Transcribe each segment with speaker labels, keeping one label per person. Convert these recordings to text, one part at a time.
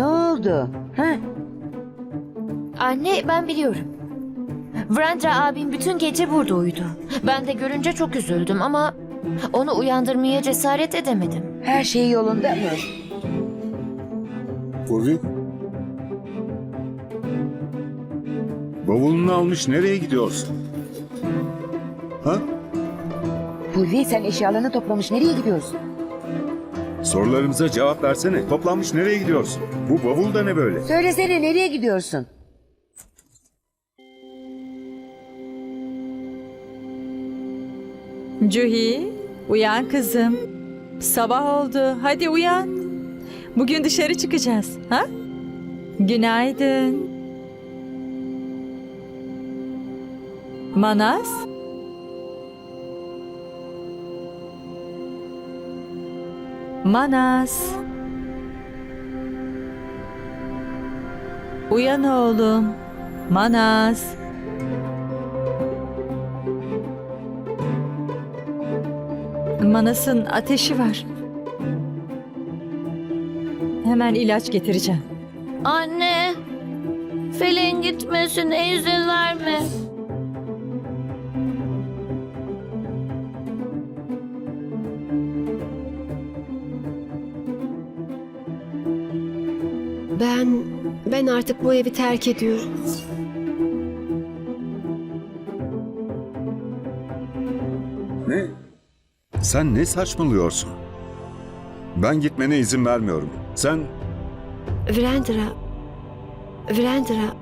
Speaker 1: Ne oldu? Ha?
Speaker 2: Anne ben biliyorum. Vrendra abim bütün gece burada uyudu. Ben de görünce çok üzüldüm ama onu uyandırmaya cesaret edemedim.
Speaker 1: Her şey yolunda mı?
Speaker 3: Purvi. Bavulunu almış nereye gidiyorsun? Ha?
Speaker 1: Purvi sen eşyalarını toplamış nereye gidiyorsun?
Speaker 3: Sorularımıza cevap versene. Toplanmış nereye gidiyorsun? Bu bavul da ne böyle?
Speaker 1: Söylesene nereye gidiyorsun?
Speaker 4: Cuhi, uyan kızım. Sabah oldu. Hadi uyan. Bugün dışarı çıkacağız. Ha? Günaydın. Manas? Manas. Uyan oğlum. Manas. Manas'ın ateşi var. Hemen ilaç getireceğim.
Speaker 5: Anne, Fil'in gitmesine izin verme.
Speaker 6: Ben artık bu evi terk ediyorum.
Speaker 3: Ne? Sen ne saçmalıyorsun? Ben gitmene izin vermiyorum. Sen
Speaker 6: Virendra.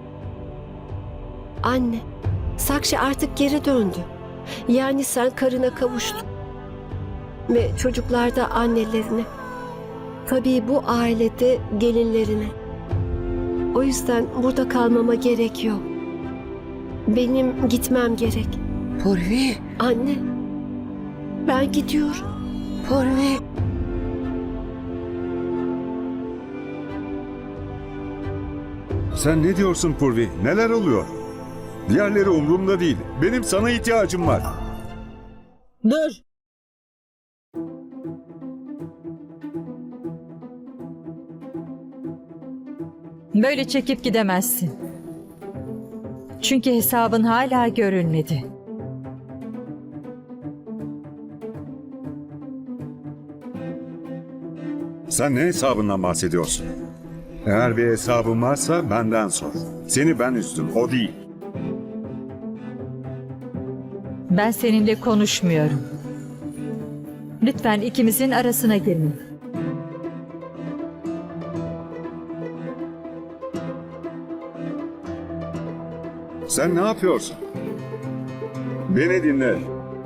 Speaker 6: Anne, Sakshi artık geri döndü. Yani sen karına kavuştun. Ve çocuklar da annelerine. Tabii bu ailede gelinlerine. O yüzden burada kalmama gerek yok. Benim gitmem gerek.
Speaker 1: Purvi,
Speaker 6: Anne, ben gidiyorum.
Speaker 1: Purvi.
Speaker 3: Sen ne diyorsun Purvi? Neler oluyor? Diğerleri umurumda değil. Benim sana ihtiyacım var.
Speaker 4: Dur. Böyle çekip gidemezsin. Çünkü hesabın hala görülmedi.
Speaker 3: Sen ne hesabından bahsediyorsun? Eğer bir hesabın varsa benden sor. Seni ben üzdüm, o değil.
Speaker 4: Ben seninle konuşmuyorum. Lütfen ikimizin arasına girme.
Speaker 3: Sen ne yapıyorsun? Beni dinle.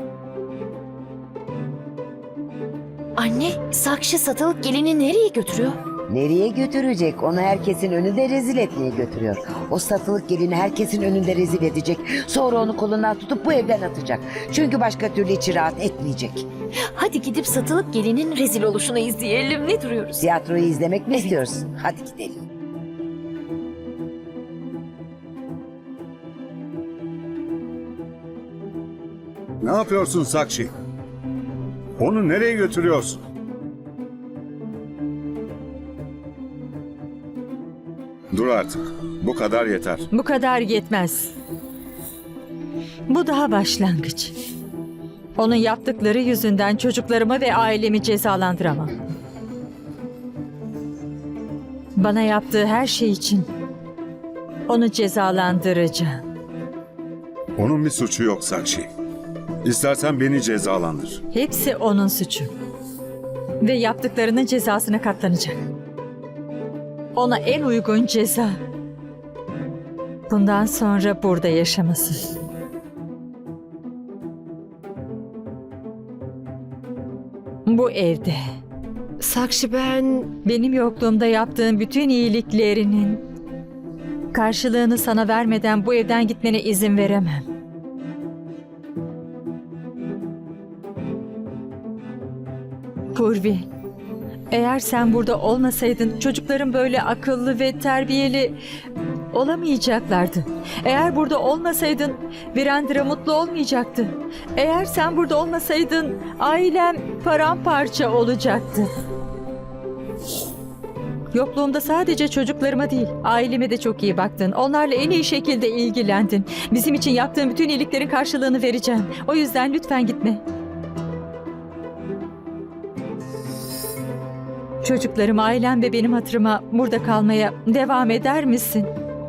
Speaker 2: Anne, Sakshi satılık gelini nereye götürüyor?
Speaker 1: Nereye götürecek? Onu herkesin önünde rezil etmeye götürüyor. O satılık gelini herkesin önünde rezil edecek. Sonra onu kolundan tutup bu evden atacak. Çünkü başka türlü içi rahat etmeyecek.
Speaker 2: Hadi gidip satılık gelinin rezil oluşunu izleyelim. Ne duruyoruz?
Speaker 1: Tiyatroyu izlemek mi istiyorsun? Hadi gidelim.
Speaker 3: Ne yapıyorsun Sakshi? Onu nereye götürüyorsun? Dur artık. Bu kadar yeter.
Speaker 4: Bu kadar yetmez. Bu daha başlangıç. Onun yaptıkları yüzünden çocuklarımı ve ailemi cezalandıramam. Bana yaptığı her şey için onu cezalandıracağım.
Speaker 3: Onun bir suçu yok Sakshi. İstersen beni cezalandır.
Speaker 4: Hepsi onun suçu. Ve yaptıklarının cezasına katlanacak. Ona en uygun ceza. Bundan sonra burada yaşaması. Bu evde.
Speaker 6: Sakshi
Speaker 4: Benim yokluğumda yaptığın bütün iyiliklerinin karşılığını sana vermeden bu evden gitmene izin veremem. Purvi, eğer sen burada olmasaydın çocukların böyle akıllı ve terbiyeli olamayacaklardı. Eğer burada olmasaydın Virendra mutlu olmayacaktı. Eğer sen burada olmasaydın ailem paramparça olacaktı. Yokluğumda sadece çocuklarıma değil, aileme de çok iyi baktın. Onlarla en iyi şekilde ilgilendin. Bizim için yaptığın bütün iyiliklerin karşılığını vereceğim. O yüzden lütfen gitme. Çocuklarım, ailem ve benim hatırıma burada kalmaya devam eder misin?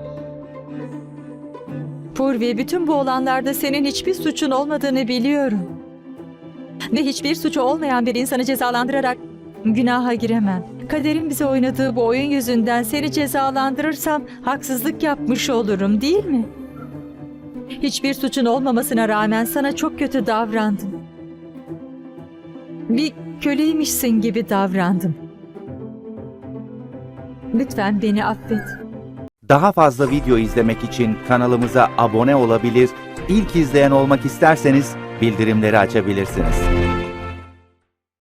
Speaker 4: Purvi, bütün bu olanlarda senin hiçbir suçun olmadığını biliyorum. Ve hiçbir suçu olmayan bir insanı cezalandırarak günaha giremem. Kaderin bize oynadığı bu oyun yüzünden seni cezalandırırsam haksızlık yapmış olurum, değil mi? Hiçbir suçun olmamasına rağmen sana çok kötü davrandım. Bir köleymişsin gibi davrandım. Lütfen beni affet.
Speaker 7: Daha fazla video izlemek için kanalımıza abone olabilir, ilk izleyen olmak isterseniz bildirimleri açabilirsiniz.